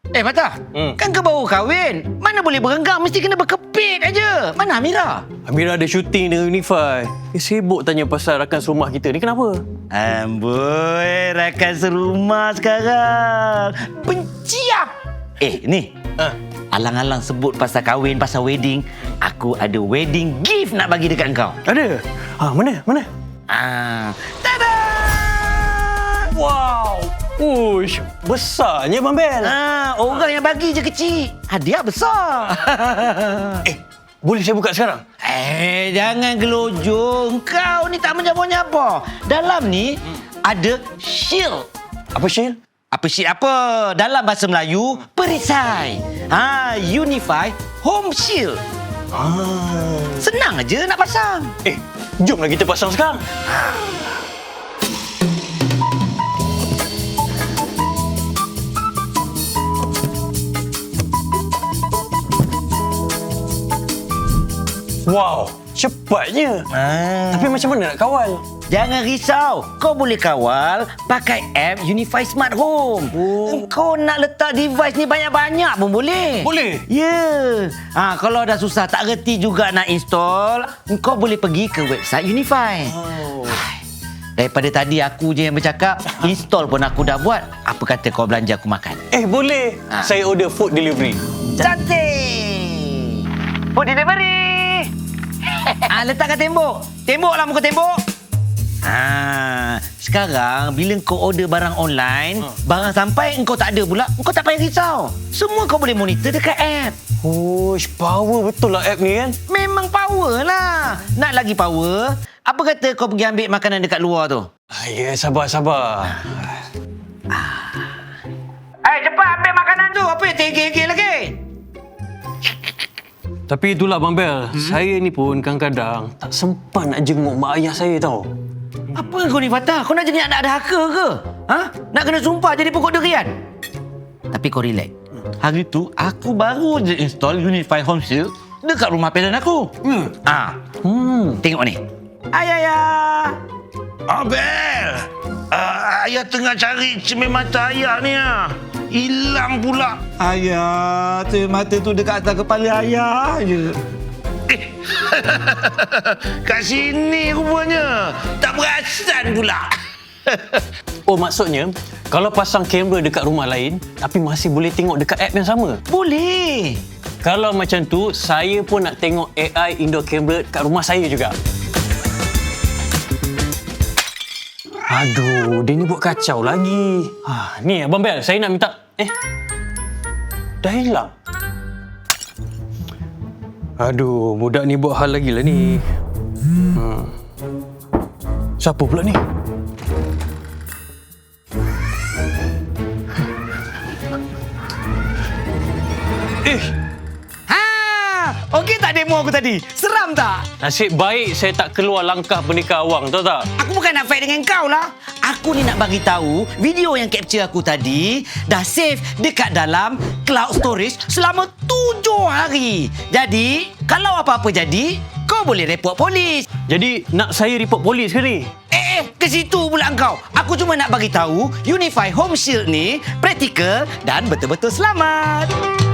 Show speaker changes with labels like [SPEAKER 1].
[SPEAKER 1] Patah, kan kau baru kahwin. Mana boleh berenggang, mesti kena berkepit aja. Mana Amira?
[SPEAKER 2] Amira ada syuting dengan Unify. Sibuk tanya pasal rakan serumah kita ni, kenapa?
[SPEAKER 1] Amboi, rakan serumah sekarang. Benci ah. Ni. Alang-alang sebut pasal kahwin, pasal wedding. Aku ada wedding gift nak bagi dekat kau.
[SPEAKER 2] Ada? Mana?
[SPEAKER 1] Tada!
[SPEAKER 2] Wow! Uish, besarnya Bang Bel.
[SPEAKER 1] Orang yang bagi je kecil. Hadiah besar.
[SPEAKER 2] Boleh saya buka sekarang?
[SPEAKER 1] Jangan gelojong. Kau ni tak menyapa-nyapa. Dalam ni ada shield.
[SPEAKER 2] Apa shield?
[SPEAKER 1] Apa shield apa? Dalam bahasa Melayu, perisai. Unify Home Shield. Senang aja nak pasang.
[SPEAKER 2] Jomlah kita pasang sekarang. Wow, cepatnya. Tapi macam mana nak kawal?
[SPEAKER 1] Jangan risau. Kau boleh kawal pakai app Unify Smart Home. Kau nak letak device ni banyak-banyak pun boleh.
[SPEAKER 2] Boleh?
[SPEAKER 1] Ya. Kalau dah susah tak reti juga nak install, kau boleh pergi ke website Unify. Daripada tadi aku je yang bercakap, install pun aku dah buat. Apa kata kau belanja aku makan?
[SPEAKER 2] Boleh. Saya order food delivery.
[SPEAKER 1] Cantik. Food delivery. Letak kat tembok. Temboklah muka tembok. Sekarang bila kau order barang online, barang sampai engkau tak ada pula, engkau tak payah risau. Semua kau boleh monitor dekat app.
[SPEAKER 2] Power betul lah app ni kan?
[SPEAKER 1] Memang power lah. Nak lagi power, apa kata kau pergi ambil makanan dekat luar tu?
[SPEAKER 2] Sabar.
[SPEAKER 1] Cepat ambil makanan tu. Apa yang tegel-tegel lagi?
[SPEAKER 2] Tapi itulah Bang Bel, saya ni pun kadang-kadang tak sempat nak jenguk mak ayah saya tau.
[SPEAKER 1] Apa kau ni Fatah? Kau nak jadi anak dahaka ke? Nak kena sumpah jadi pokok durian? Tapi kau relax. Hari tu aku baru je install Unify Home Shield dekat rumah parent aku. Tengok ni. Ayah.
[SPEAKER 3] Abel! Ayah tengah cari cermin mata ayah ni. Hilang pula.
[SPEAKER 1] Ayah, cermin mata tu dekat atas kepala ayah je.
[SPEAKER 3] Kat sini rupanya. Tak perasan pula.
[SPEAKER 2] Maksudnya, kalau pasang kamera dekat rumah lain, tapi masih boleh tengok dekat app yang sama?
[SPEAKER 1] Boleh.
[SPEAKER 2] Kalau macam tu, saya pun nak tengok AI indoor camera kat rumah saya juga. Aduh, dia ni buat kacau lagi. Ni Abang Bel, saya nak minta... dah hilang. Aduh, budak ni buat hal lagi lah ni. Siapa pula ni?
[SPEAKER 1] Okey tak demo aku tadi? Seram tak?
[SPEAKER 2] Nasib baik saya tak keluar langkah berdeka awang, tahu tak?
[SPEAKER 1] Aku bukan nak fight dengan kau lah. Aku ni nak bagi tahu video yang capture aku tadi dah save dekat dalam cloud storage selama 7 hari. Jadi, kalau apa-apa jadi, kau boleh report polis.
[SPEAKER 2] Jadi, nak saya report polis ke ni?
[SPEAKER 1] Ke situ pula engkau. Aku cuma nak bagi tahu Unify Home Shield ni praktikal dan betul-betul selamat.